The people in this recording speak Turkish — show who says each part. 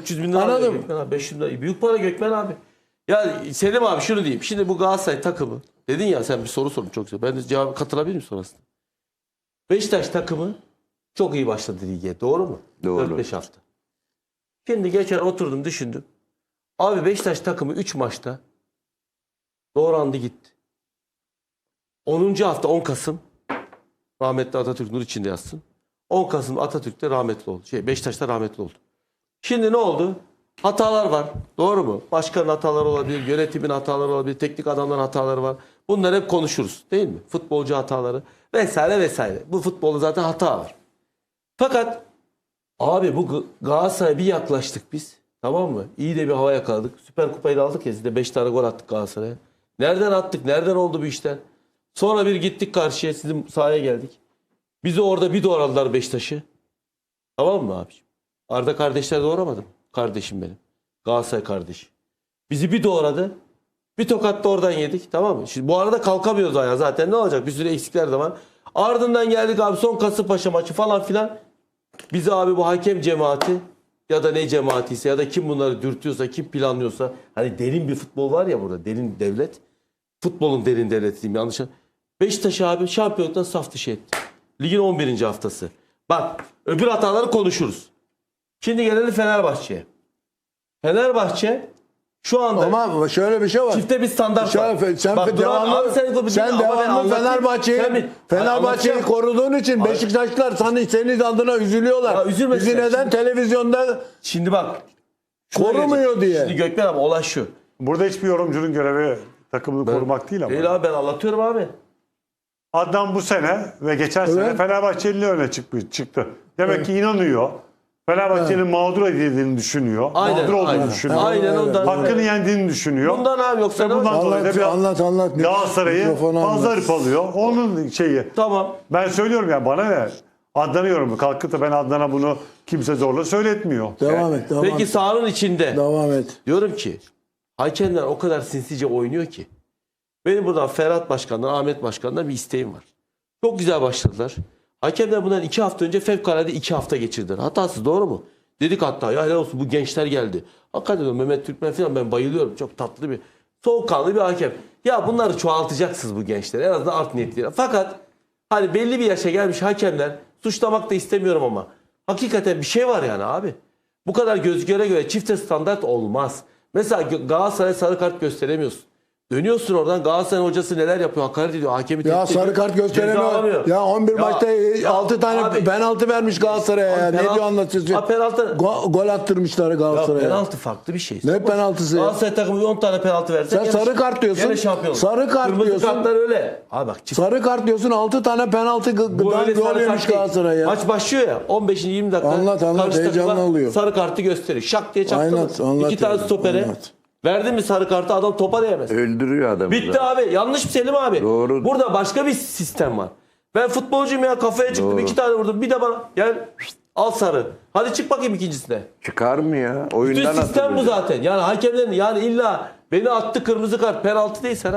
Speaker 1: 300 bin lira alıyor Gökmen abi. 500 bin lira. Büyük para Gökmen abi. Ya Selim abi şunu diyeyim. Şimdi bu Galatasaray takımı. Dedin ya sen bir soru sorun çok güzel. Ben de cevabı katılabilir miyim sonrasında? Beşiktaş takımı çok iyi başladı lige. Doğru mu?
Speaker 2: Doğru.
Speaker 1: 4-5 hafta. Şimdi geçen oturdum düşündüm. Abi Beşiktaş takımı 3 maçta doğrandı gitti. 10. hafta 10 Kasım rahmetli Atatürk nur içinde yazsın. 10 Kasım Atatürk'te rahmetli oldu. Beşiktaş'ta rahmetli oldu. Şimdi ne oldu? Hatalar var. Doğru mu? Başkanın hataları olabilir, yönetimin hataları olabilir, teknik adamların hataları var. Bunları hep konuşuruz değil mi? Futbolcu hataları vesaire vesaire. Bu futbolda zaten hata var. Fakat abi bu Galatasaray'a bir yaklaştık biz. Tamam mı? İyi de bir hava yakaladık. Süper Kupayı da aldık ya. Siz de 5 tane gol attık Galatasaray'a. Nereden attık? Nereden oldu bu işler? Sonra bir gittik karşıya. Sizin sahaya geldik. Bizi orada bir doğradılar Beşiktaş'ı. Tamam mı abiciğim? Arda kardeşler doğramadım. Kardeşim benim. Galatasaray kardeşi. Bizi bir doğradı. Bir tokat da oradan yedik. Tamam mı? Şimdi bu arada kalkamıyoruz ayağa. Zaten ne olacak? Bir sürü eksikler de var. Ardından geldik abi son Kasımpaşa maçı falan filan. Bizi abi bu hakem cemaati ya da ne cemaatiyse ya da kim bunları dürtüyorsa, kim planlıyorsa, hani derin bir futbol var ya burada, derin devlet. Futbolun derin devleti diyeyim, yanlış. Beşiktaş abi şampiyonluktan saf dışı etti. Ligin 11. haftası. Bak öbür hataları konuşuruz. Şimdi gelelim Fenerbahçe'ye. Fenerbahçe şu anda
Speaker 3: Ama şöyle bir şey var.
Speaker 1: çifte bir standart var.
Speaker 3: Sen
Speaker 1: Bak,
Speaker 3: devamlı Fenerbahçe'yi koruduğun için Beşiktaşlılar senin adına üzülüyorlar.
Speaker 1: Ya üzülmesinler.
Speaker 3: Bizi neden televizyonda
Speaker 1: Şimdi bak.
Speaker 3: korumuyor diye.
Speaker 1: Şimdi Gökmen abi olay şu.
Speaker 4: Burada hiçbir yorumcunun görevi takımını korumak değil ama.
Speaker 1: Değil abi, ben anlatıyorum abi.
Speaker 4: Adnan bu sene ve geçen sene Fenerbahçeli öne çıktı. Demek ki inanıyor. Fenerbahçe'nin mağdur edildiğini düşünüyor. Mağdur olduğunu düşünüyor.
Speaker 1: Aynen ondan.
Speaker 4: Hakkını yendiğini düşünüyor.
Speaker 1: Bundan abi yoksa
Speaker 4: Ve bundan dolayı da
Speaker 3: Anlat.
Speaker 4: Galatasaray'ı
Speaker 3: Mikrofonu
Speaker 4: fazla
Speaker 3: anlat.
Speaker 4: hırpalıyor. Onun şeyi.
Speaker 1: Tamam.
Speaker 4: Ben söylüyorum ya, bana ne? Adnan'ı yorumu. Kalkıp da ben Adnan'a bunu kimse zorla söyletmiyor.
Speaker 3: Devam et.
Speaker 1: Peki sahanın içinde
Speaker 3: Devam et.
Speaker 1: diyorum ki hakemler o kadar sinsice oynuyor ki. Benim buradan Ferhat Başkan'dan, Ahmet Başkan'dan bir isteğim var. Çok güzel başladılar. Hakemler bundan 2 hafta önce fevkalade 2 hafta geçirdiler. Hatasız, doğru mu? Dedik hatta ya helal olsun bu gençler geldi. Hakikaten Mehmet Türkmen falan ben bayılıyorum. Çok tatlı bir, soğukkanlı bir hakem. Ya bunları çoğaltacaksınız bu gençleri. En azından art niyetliler. Fakat hani belli bir yaşa gelmiş hakemler, suçlamak da istemiyorum ama hakikaten bir şey var yani abi. Bu kadar göz göre göre çifte standart olmaz. Mesela Galatasaray sarı kart gösteremiyorsun. Dönüyorsun oradan, Galatasaray'ın hocası neler yapıyor? Hakaret ediyor. Hakemi
Speaker 3: Ya
Speaker 1: tehdit ediyor.
Speaker 3: sarı kart gösteremiyor. Ya 11 maçta 6 tane
Speaker 1: abi,
Speaker 3: penaltı vermiş Galatasaray'a ya. Ne diyor anlatıyorsun?
Speaker 1: Penaltı.
Speaker 3: Gol attırmışlar Galatasaray'a.
Speaker 1: Penaltı farklı bir şey.
Speaker 3: Ne penaltısı ya?
Speaker 1: Galatasaray takımı 10 tane penaltı verse.
Speaker 3: Sen sarı kart diyorsun.
Speaker 1: Gene şampiyon.
Speaker 3: Sarı kart
Speaker 1: Kırmızı
Speaker 3: diyorsun.
Speaker 1: kartlar öyle. Abi bak.
Speaker 3: Sarı kart diyorsun, 6 tane penaltı
Speaker 1: Bu öyle
Speaker 3: gol
Speaker 1: sarı
Speaker 3: yemiş
Speaker 1: kart değil.
Speaker 3: Galatasaray ya.
Speaker 1: Maç başlıyor ya. 15. 20 dakika.
Speaker 3: Anlat,
Speaker 1: karşı
Speaker 3: heyecanlı
Speaker 1: takıma
Speaker 3: oluyor.
Speaker 1: Sarı kartı gösteriyor. Şak diye çaktı.
Speaker 3: Anlat
Speaker 1: 2 tane
Speaker 3: ya,
Speaker 1: stopere.
Speaker 3: anlat.
Speaker 1: Verdin mi sarı kartı, adam topa değmez.
Speaker 2: Öldürüyor adamı.
Speaker 1: Bitti abi. Yanlış mı Selim abi?
Speaker 2: Doğru.
Speaker 1: Burada başka bir sistem var. Ben futbolcuyum ya, kafaya çıktım.
Speaker 2: Doğru.
Speaker 1: 2 tane vurdum. Bir de bana gel al sarı. Hadi çık bakayım ikincisine.
Speaker 2: Çıkar mı ya?
Speaker 1: Bütün
Speaker 2: Oyundan
Speaker 1: sistem bu
Speaker 2: atılacak.
Speaker 1: zaten. Yani hakemlerin, yani illa beni attı kırmızı kart, penaltı değil sana.